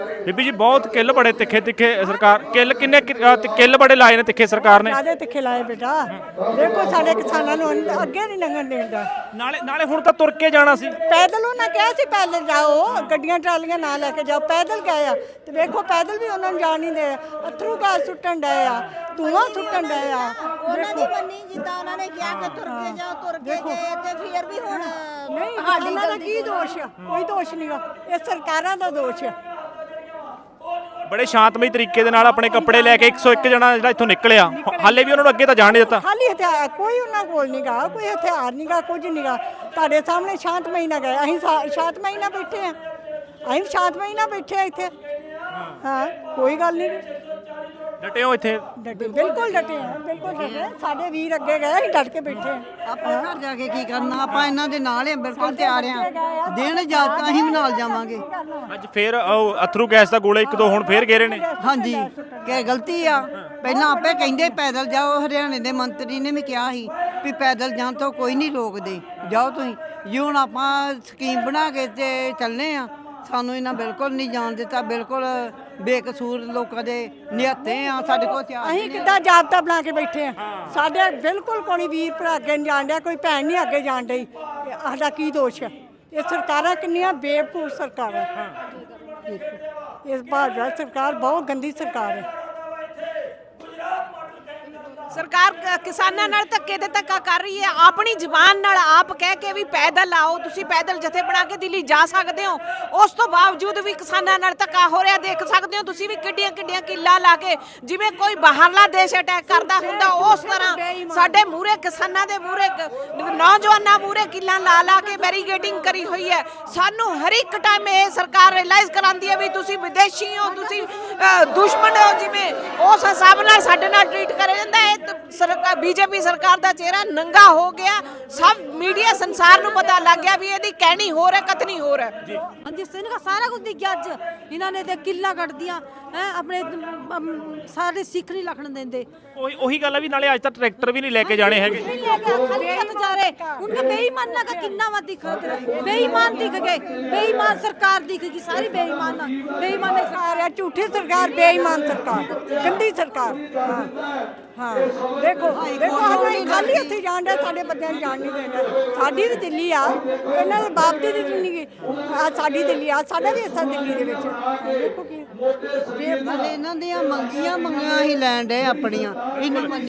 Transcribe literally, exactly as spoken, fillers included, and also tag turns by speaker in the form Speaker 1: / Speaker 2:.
Speaker 1: ਬੀਬੀ ਜੀ ਬਹੁਤ ਕਿੱਲ ਬੜੇ ਤਿੱਖੇ ਤਿੱਖੇ ਸਰਕਾਰ ਕਿੱਲ ਕਿੰਨੇ ਕਿ- ਅ, ਤੇ ਕਿੱਲ ਬੜੇ ਲਾਏ ਨੇ ਤਿੱਖੇ ਸਰਕਾਰ ਨੇ।
Speaker 2: ਜਿਆਦਾ ਤਿੱਖੇ ਲਾਏ ਬੇਟਾ। ਦੇਖੋ ਸਾਡੇ ਕਿਸਾਨਾਂ ਨੂੰ ਅੰਦ- ਅੱਗੇ ਨਹੀਂ ਲੰਘਣ ਦੇਂਦਾ।
Speaker 1: ਨਾਲੇ ਨਾਲੇ ਹੁਣ ਤਾਂ ਤੁਰ ਕੇ ਜਾਣਾ ਸੀ।
Speaker 2: ਪੈਦਲ ਉਹਨਾਂ ਕਿਹਾ ਸੀ ਪੈਦਲ ਜਾਓ, ਗੱਡੀਆਂ ਟਰਾਲੀਆਂ ਨਾ ਲੈ ਕੇ ਜਾਓ, ਪੈਦਲ ਗਏ ਆ ਤੇ ਵੇਖੋ ਪੈਦਲ ਵੀ ਉਹਨਾਂ ਨੂੰ ਜਾਣ ਨਹੀਂ ਦੇ। ਅਥਰੂ ਗੈਸ ਸੁੱਟਣ ਡਏ ਆ, ਧੂਆਂ ਸੁੱਟਣ ਡਏ ਆ।
Speaker 3: ਉਹਨਾਂ ਦੀ ਮੰਨੀ ਜਿੱਦਾਂ ਉਹਨਾਂ ਨੇ ਕਿਹਾ ਕਿ ਤੁਰ ਕੇ ਜਾਓ, ਤੁਰ ਕੇ ਗਏ ਤੇ ਫਿਰ ਵੀ ਹੁਣ
Speaker 2: ਨਹੀਂ ਕਿਸਾਨਾਂ ਦਾ ਕੀ ਦੋਸ਼ ਆ? ਕੋਈ ਦੋਸ਼ ਨਹੀਂਗਾ, ਇਹ ਸਰਕਾਰਾਂ ਦਾ ਦੋਸ਼ ਆ।
Speaker 1: ਬੜੇ ਸ਼ਾਂਤਮਈ ਤਰੀਕੇ ਦੇ ਨਾਲ ਆਪਣੇ ਕੱਪੜੇ ਲੈ ਕੇ ਇੱਕ ਸੌ ਇੱਕ ਜਣਾ ਜਿਹੜਾ ਇੱਥੋਂ ਨਿਕਲਿਆ, ਹਾਲੇ ਵੀ ਉਹਨਾਂ ਨੂੰ ਅੱਗੇ ਤਾਂ ਜਾਣ ਨਹੀਂ ਦਿੱਤਾ।
Speaker 2: ਖਾਲੀ ਹਥਿਆਰ ਕੋਈ ਉਹਨਾਂ ਕੋਲ ਨਹੀਂਗਾ, ਕੋਈ ਹਥਿਆਰ ਨਹੀਂਗਾ, ਕੁਝ ਨਹੀਂਗਾ। ਤੁਹਾਡੇ ਸਾਹਮਣੇ ਸ਼ਾਂਤਮਈ ਨਾਲ ਗਏ, ਅਸੀਂ ਸ਼ਾ- ਸ਼ਾਂਤਮਈ ਨਾਲ ਬੈਠੇ ਆ, ਅਸੀਂ ਸ਼ਾਂਤਮਈ ਨਾਲ ਬੈਠੇ ਆ ਇੱਥੇ। ਹਾਂ ਕੋਈ ਗੱਲ ਨਹੀਂ,
Speaker 1: ਡਟੇ ਹੋ ਇੱਥੇ।
Speaker 2: ਡਟੇ ਬਿਲਕੁਲ ਡਟੇ ਆ, ਬਿਲਕੁਲ ਡਟੇ। ਸਾਡੇ ਵੀਰ ਅੱਗੇ ਗਏ, ਅਸੀਂ ਡਟ ਕੇ ਬੈਠੇ ਆ।
Speaker 4: ਆਪਾਂ ਘਰ ਜਾ ਕੇ ਕੀ ਕਰਨਾ, ਆਪਾਂ ਇਹਨਾਂ ਦੇ ਨਾਲ ਹੀ ਬਿਲਕੁਲ ਤਿਆਰ ਆ। ਦੇਣ ਇਜਾਜ਼ਤ ਅਸੀਂ ਵੀ ਨਾਲ ਜਾਵਾਂਗੇ।
Speaker 1: ਅੱਜ ਫੇਰ ਉਹ ਅਥਰੂ ਗੈਸ ਦਾ ਗੋਲੇ ਇੱਕ ਦੋ ਹੁਣ ਫੇਰ ਗੇਰੇ ਨੇ।
Speaker 4: ਹਾਂਜੀ ਕਿ ਗਲਤੀ ਆ, ਪਹਿਲਾਂ ਆਪੇ ਕਹਿੰਦੇ ਪੈਦਲ ਜਾਓ। ਹਰਿਆਣੇ ਦੇ ਮੰਤਰੀ ਨੇ ਵੀ ਕਿਹਾ ਸੀ ਵੀ ਪੈਦਲ ਜਾਣ ਤੋਂ ਕੋਈ ਨਹੀਂ ਰੋਕਦੇ, ਜਾਓ ਤੁਸੀਂ। ਜੀ ਹੁਣ ਆਪਾਂ ਸਕੀਮ ਬਣਾ ਕੇ ਤੇ ਚੱਲਨੇ ਆ, ਸਾਨੂੰ ਇਹਨਾਂ ਬਿਲਕੁਲ ਨਹੀਂ ਜਾਣ ਦਿੱਤਾ। ਬਿਲਕੁਲ ਬੇਕਸੂਰ ਲੋਕਾਂ ਦੇ ਨਿਹੱਥੇ ਆ, ਸਾਡੇ ਕੋਲ ਹਥਿਆਰ
Speaker 2: ਅਸੀਂ ਕਿੱਦਾਂ ਜਾਬਤਾ ਬਣਾ ਕੇ ਬੈਠੇ ਆ? ਸਾਡੇ ਬਿਲਕੁਲ ਕੋਈ ਵੀਰ ਭਰਾ ਅੱਗੇ ਨਹੀਂ ਜਾਣ ਡਿਆ, ਕੋਈ ਭੈਣ ਨਹੀਂ ਅੱਗੇ ਜਾਣ ਡਈ। ਇਹ ਸਾਡਾ ਕੀ ਦੋਸ਼ ਹੈ? ਇਹ ਸਰਕਾਰਾਂ ਕਿੰਨੀਆਂ ਬੇਵਕੂਫ ਸਰਕਾਰਾਂ। ਦੇਖੋ ਇਸ ਭਾਜਪਾ ਸਰਕਾਰ ਬਹੁਤ ਗੰਦੀ ਸਰਕਾਰ ਹੈ।
Speaker 5: ਸਰਕਾਰ ਕ- ਕਿਸਾਨਾਂ ਨਾਲ ਧੱਕੇ ਤੇ ਧੱਕਾ ਕਰ ਰਹੀ ਹੈ। ਆਪਣੀ ਜ਼ੁਬਾਨ ਨਾਲ ਆਪ ਕਹਿ ਕੇ ਵੀ ਪੈਦਲ ਆਓ, ਤੁਸੀਂ ਪੈਦਲ ਜਥੇ ਬਣਾ ਕੇ ਦਿੱਲੀ ਜਾ ਸਕਦੇ ਹੋ, ਉਸ ਤੋਂ ਬਾਵਜੂਦ ਵੀ ਕਿਸਾਨਾਂ ਨਾਲ ਧੱਕਾ ਹੋ ਰਿਹਾ। ਦੇਖ ਸਕਦੇ ਹੋ ਤੁਸੀਂ ਵੀ ਕਿੱਡੀਆਂ ਕਿੱਡੀਆਂ ਕਿੱਲਾਂ ਲਾ ਕੇ, ਜਿਵੇਂ ਕੋਈ ਬਾਹਰਲਾ ਦੇਸ਼ ਅਟੈਕ ਕਰਦਾ ਹੁੰਦਾ ਉਸ ਤਰ੍ਹਾਂ ਸਾਡੇ ਮੂਹਰੇ ਕਿਸਾਨਾਂ ਦੇ ਮੂਹਰੇ ਨੌਜਵਾਨਾਂ ਮੂਹਰੇ ਕਿੱਲਾਂ ਲਾ ਲਾ ਕੇ ਬੈਰੀਗੇਡਿੰਗ ਕਰੀ ਹੋਈ ਹੈ। ਸਾਨੂੰ ਹਰ ਇੱਕ ਟਾਈਮ ਇਹ ਸਰਕਾਰ ਰਿਅਲਾਈਜ਼ ਕਰਾਉਂਦੀ ਹੈ ਵੀ ਤੁਸੀਂ ਵਿਦੇਸ਼ੀ ਹੋ, ਤੁਸੀਂ ਅ, ਦੁਸ਼ਮਣ ਹੋ। ਜਿਵੇਂ ਉਸ ਹਿਸਾਬ ਨਾਲ ਸਾਡੇ ਨਾਲ ਟ੍ਰੀਟ ਕਰਿਆ ਜਾਂਦਾ ਹੈ। ਸਰਕਾਰ ਬੀਜੇਪੀ ਸਰਕਾਰ ਦਾ ਚਿਹਰਾ ਨੰਗਾ ਹੋ ਗਿਆ। ਸਭ ਮੀਡੀਆ ਸੰਸਾਰ ਨੂੰ ਪਤਾ ਲੱਗ ਗਿਆ ਵੀ ਇਹਦੀ ਕਹਿਣੀ ਹੋਰ ਹੈ, ਕਤਨੀ ਹੋਰ ਹੈ।
Speaker 6: ਹਾਂਜੀ ਸਿੰਘ ਸਾਰਾ ਕੁਝ ਦਿਖ ਗਿਆ। ਅੱਜ ਇਹਨਾਂ ਨੇ ਤੇ ਕਿੱਲਾ ਕੱਢਦੀਆਂ ਹੈ ਆਪਣੇ ਅਮ, ਸਾਰੇ ਸਿੱਖ ਨਹੀਂ ਲਖਣ ਦਿੰਦੇ।
Speaker 1: ਉਹੀ ਉਹੀ ਗੱਲ ਹੈ ਵੀ ਨਾਲੇ ਅੱਜ ਤਾਂ ਟਰੈਕਟਰ ਵੀ ਨਹੀਂ ਲੈ ਕੇ ਜਾਣੇ ਹੈਗੇ।
Speaker 6: नहीं लेके खाली हाथ जा रहे उनका बेईमान ना का किन्ना वा दिख रहा बेईमान दिख गए। बेईमान सरकार दिखेगी सारी बेईमान बेईमान
Speaker 2: सरकार है, झूठी सरकार, बेईमान सरकार, गंदी सरकार। हाँ हाँ देखो देखो हमें खाली हथे जान डे, साडे बच्चों जान नहीं देना। साडी भी दिल्ली आ, इन्हां दे बाप दी भी दिल्ली आ, साडी दिल्ली आ, साडा भी हिस्सा दिल्ली दे विच। देखो की
Speaker 4: ਇਹਨਾਂ ਦੀਆਂ ਮੰਗੀਆਂ ਮੰਗੀਆਂ ਹੀ ਲੈਣ ਦੇ ਆਪਣੀਆਂ। ਇਹਨੂੰ